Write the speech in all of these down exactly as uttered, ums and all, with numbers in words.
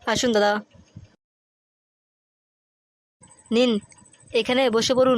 আসুন দাদা, নিন এখানে বসে পড়ুন।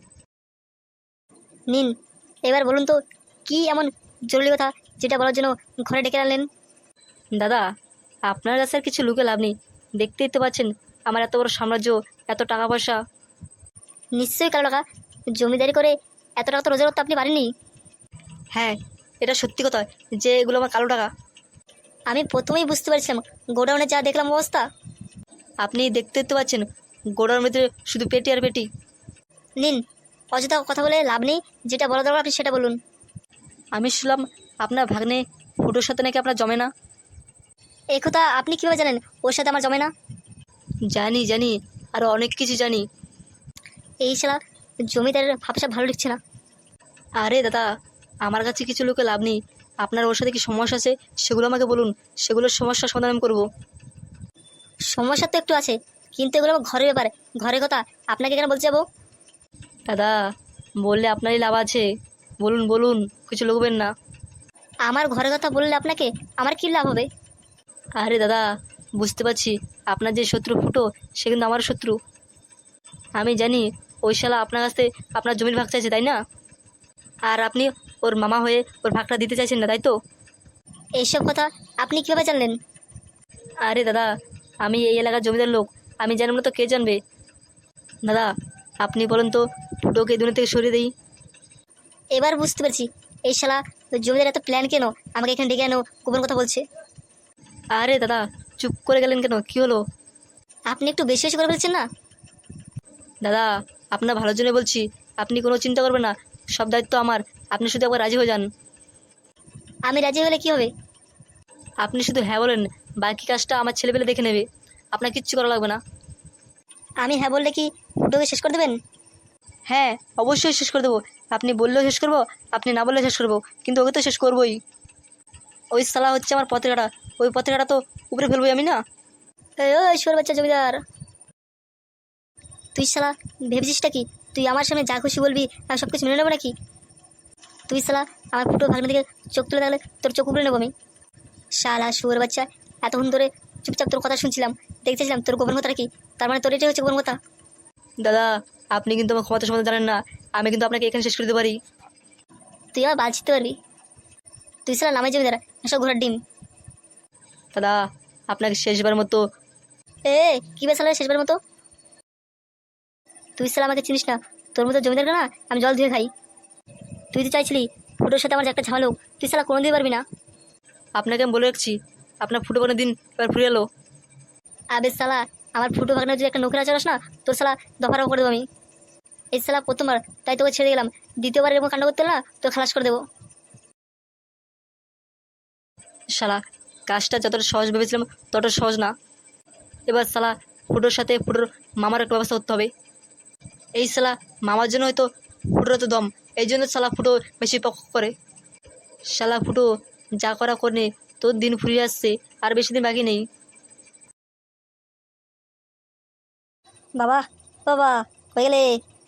নিন, এবার বলুন তো কি এমন জরুরি কথা যেটা বলার জন্য ঘরে ডেকে আনলেন? দাদা, আপনার কাছে আর কিছু লুকে লাভ নেই। দেখতেই তো পাচ্ছেন আমার এত বড় সাম্রাজ্য, এত টাকা পয়সা। নিশ্চয়ই কালো টাকা। জমিদারি করে এত টাকা তো রোজগার করতে আপনি পারেননি। হ্যাঁ, এটা সত্যি কথা যে এগুলো আমার কালো টাকা। আমি প্রথমেই বুঝতে পারছিলাম, গোডাউনে যা দেখলাম অবস্থা। আপনি দেখতেই তো পাচ্ছেন গোড়ার ভিতরে শুধু পেটি আর পেটি। নিন, অযথা কথা বলে লাভ নেই, যেটা বলা দরকার আপনি সেটা বলুন। আমি শুনলাম আপনার ভাগ্নে ফুটোর সাথে নাকি আপনার জমে না। এই কথা আপনি কীভাবে জানেন ওর সাথে আমার জমে না? জানি জানি, আরও অনেক কিছু জানি। এই শালা জমিদারের ভাবসা ভালো লিখছে না। আরে দাদা, আমার কাছে কিছু লোকে লাভ নেই। আপনার ওর সাথে কি সমস্যা আছে সেগুলো আমাকে বলুন, সেগুলোর সমস্যার সমাধান আমি করবো। সমস্যা তো একটু আছে, কিন্তু এগুলো আমার ঘরের ব্যাপার। ঘরের কথা আপনাকে কেন বলতে যাবো? দাদা, বললে আপনারই লাভ আছে, বলুন বলুন, কিছু লুকবেন না। আমার ঘরের কথা বললে আপনাকে আমার কী লাভ হবে? আরে দাদা, বুঝতে পারছি আপনার যে শত্রু ফুটো সে কিন্তু আমার শত্রু। আমি জানি ওই শালা আপনার কাছ থেকে আপনার জমির ভাগ চাইছে, তাই না? আর আপনি ওর মামা হয়ে ওর ভাগটা দিতে চাইছেন না, তাই তো? এইসব কথা আপনি কীভাবে জানলেন? আরে দাদা, আমি এই এলাকার জমিদার লোক, আমি জানব না তো কে জানবে? দাদা, আপনি বলেন তো ফুটোকে এই দুনিয়া থেকে সরিয়ে দিই। এবার বুঝতে পারছি এই শালা জমিদার এত প্ল্যান কেন আমাকে এখানে ডেকে আনো গোপন কথা বলছে। আরে দাদা, চুপ করে গেলেন কেন, কী হলো? আপনি একটু বেশি বেশি করে ফেলছেন না? দাদা, আপনার ভালোর জন্য বলছি, আপনি কোনো চিন্তা করবেন না, সব দায়িত্ব আমার। আপনি শুধু একবার রাজি হয়ে যান। আমি রাজি হলে কি হবে? আপনি শুধু হ্যাঁ বলেন, বাকি কাজটা আমার ছেলেপেলে দেখে নেবে, আপনার কিচ্ছু করা লাগবে না। আমি হ্যাঁ বললে কি ফুটোকে শেষ করে দেবেন? হ্যাঁ, অবশ্যই শেষ করে দেবো। আপনি বললেও শেষ করবো, আপনি না বললেও শেষ করবো, কিন্তু ওকে তো শেষ করবোই। ওই শালা হচ্ছে আমার পথের কাটা, ওই পথের কাটা তো উপরে ফেলবোই আমি না। এই ওই শোর বাচ্চা জমিদার, তুই শালা ভেবেছিসটা কি তুই আমার সামনে যা খুশি বলবি আমি সব কিছু মেনে নেবো নাকি? তুই শালা আমার ফুটো ভাগ্নে দিকে চোখ তুলে থাকলে তোর চোখ উপড়ে নেবো আমি। শালা শুয়োর বাচ্চা, এতক্ষণ ধরে চুপচাপ তোর কথা শুনছিলাম, দেখতেছিলাম তোর গোপন কথাটা কি। তার মানে তোর এটাই হচ্ছে গোপন কথা? দাদা, আপনি কিন্তু আমার ক্ষমতা সম্বন্ধে জানেন না, আমি কিন্তু আপনাকে এখানে শেষ করে দিতে পারি। তুই আবার বাঁচতে পারবি? তুই শালা নামে জমিদার, এসব ঘোড়ার ডিম। দাদা, আপনাকে শেষবার মতো। এ কি বে শালা শেষবার মতো? তুই শালা আমাকে চিনিস না, তোর মতো জমিদার না আমি জল ধুয়ে খাই। তুই তো চাইছিলি ফুটোর সাথে আমার যে একটা ঝামেলা হোক, তুই শালা কোনো দিতে পারবি না। আপনাকে আমি বলে রাখছি, আপনার ফুটো কোনো দিন এবার ফুরে এলো। আবে শালা, আমার ফুটো ভাগনা যদি একটা নোকরা চালাস না, তোর শালা দফারাও করে দেবো আমি। এই শালা প্রথমবার তাই তোকে ছেড়ে গেলাম, দ্বিতীয়বার এরকম কাণ্ড করতে না তোর খালাস করে দেবো। শালা, কাজটা যতটা সহজ ভেবেছিলাম ততটা সহজ না। এবার শালা ফুটোর সাথে ফুটোর মামার একটা ব্যবস্থা করতে হবে। এই শালা মামার জন্য হয়তো ফুটোর তো দম, এই জন্য শালা ফুটো বেশি পক্ষ করে। শালা ফুটো যা করা করে, তোর দিন ফুরিয়ে আসছে, আর বেশি দিন বাকি নেই। বাবা, বাবা, হয়ে গেলে।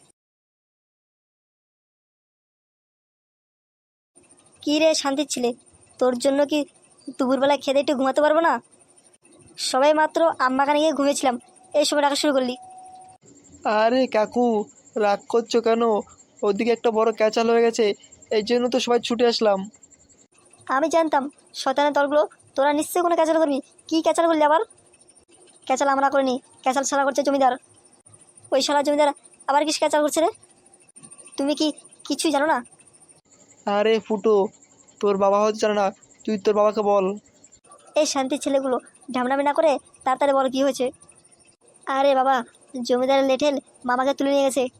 কী রে শান্তির ছিলে, তোর জন্য কি দুপুরবেলা খেতে একটু ঘুমাতে পারবো না? সবাই মাত্র আম্মাখানে গিয়ে ঘুমিয়েছিলাম, এই সময় ডাকা শুরু করলি। আরে কাকু, রাগ করছো কেন? ওদিকে একটা বড় ক্যাচাল হয়ে গেছে, এই জন্য তো সবাই ছুটে আসলাম। আমি জানতাম শয়তানের দলগুলো তোরা নিশ্চয়ই কোনো ক্যাচাল করবি। কী ক্যাচাল করলি আবার? ক্যাচাল আমরা করিনি, ক্যাচাল শালা করছে জমিদার। ওই শালা জমিদার আবার কিস ক্যাচাল করছে রে? তুমি কি কিছুই জানো না? আরে ফুটো, তোর বাবা হয়তো জানে না, তুই তোর বাবাকে বল। এই শান্তির ছেলেগুলো ঢামনামি না করে তাড়াতাড়ি বল কী হয়েছে। আরে বাবা, জমিদারের লেঠেল মামাকে তুলে নিয়ে গেছে।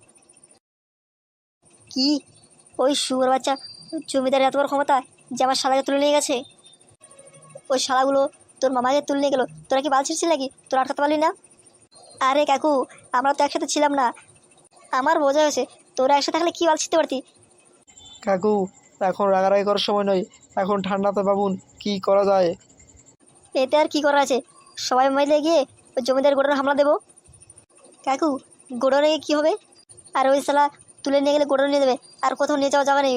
কি? ওই শুয়োর বাচ্চা জমিদারের এত বড় ক্ষমতা যে আমার শালাকে তুলে নিয়ে গেছে? ওই শালাগুলো তোর মামাকে তুলে নিয়ে গেলো, তোরা কি বাল ছিঁড়ছিস নাকি? তোরা আটকাতে পারলি না? আরে কাকু, আমরা তো একসাথে ছিলাম না। আমার বোঝা হয়েছে, তোরা একসাথে থাকলে কি বাল ছিঁড়তে পারতি। কাকু, এখন রাগারাগি করার সময় নয়, এখন ঠান্ডাতে ভাবুন কি করা যায়। এতে আর কি করার আছে, সবাই মিলে গিয়ে ওই জমিদার গোডাউনে হামলা দেবো। কাকু, গোডাউনে গিয়ে কী হবে? আর ওই শালা তুলে নিয়ে গেলে গোডাউনে নিয়ে দেবে, আর কোথাও নিয়ে যাওয়া যাবে নেই।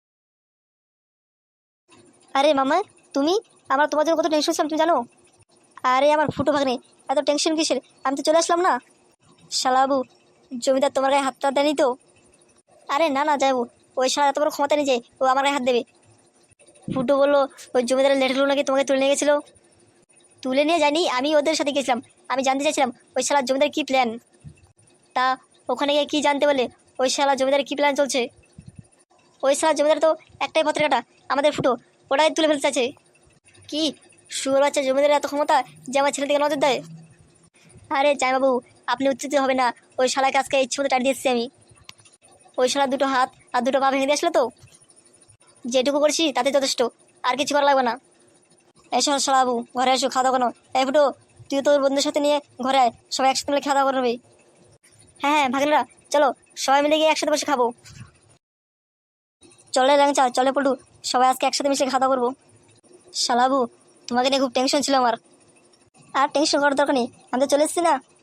আরে মামা, তুমি, আমরা তোমার জন্য কত টেনশন ছিলাম তুমি জানো? আরে আমার ফুটো ভাগ্নে, এত টেনশন কিসের? আমি তো চলে আসলাম না। শালাবু, জমিদার তোমার গায়ে হাতটা দেয়নি তো? আরে না না যাবো, ওই শালা এত বড় ক্ষমতা নিয়ে যায়, ও আমার গায়ে হাত দেবে? ফুটো বললো ওই জমিদারের লেটারগুলো নাকি তোমাকে তুলে নিয়ে গেছিলো। তুলে নিয়ে যায়নি, আমি ওদের সাথে গেছিলাম। আমি জানতে চাইছিলাম ওই শালা জমিদার কী প্ল্যান। তা ওখানে গিয়ে কী জানতে বলে ওই শালা জমিদারের কী প্ল্যান চলছে? ওই শালা জমিদার তো একটাই পত্রের কাটা, আমাদের ফুটো, ওটাই তুলে ফেলতে চাইছে। কি শুয়োর বাচ্চা জমিদারের এত ক্ষমতা যে আমার ছেলে দিকে নজর দেয়? আরে জামাইবাবু, আপনি উত্তেজিত হবে না। ওই শালাকে আজকে ইচ্ছে মতো টাড়ি দিয়েছি আমি। ওই শালা দুটো হাত আর দুটো পা ভেঙে দিয়ে আসলো তো, যেটুকু করছি তাতে যথেষ্ট, আর কিছু করা লাগবে না। এসো শালাবু, ঘরে এসো, খাওয়া দাওয়া কোনো। এই ফুটো, তুই তোর বন্ধুদের সাথে নিয়ে ঘরে আয়, সবাই একসাথে মিলে খাওয়া দাওয়া করবে। হ্যাঁ হ্যাঁ ভাগিনারা, চলো সবাই মিলে গিয়ে একসাথে বসে খাবো। চলে ল্যাংচা, চলে পড়ু, সবাই আজকে একসাথে মিশে খাওয়া দাওয়া করবো। শালাবু, তোমাকে নিয়ে খুব টেনশন ছিল আমার। আর টেনশন করার দরকার নেই, আমি তো চলে এসেছি না।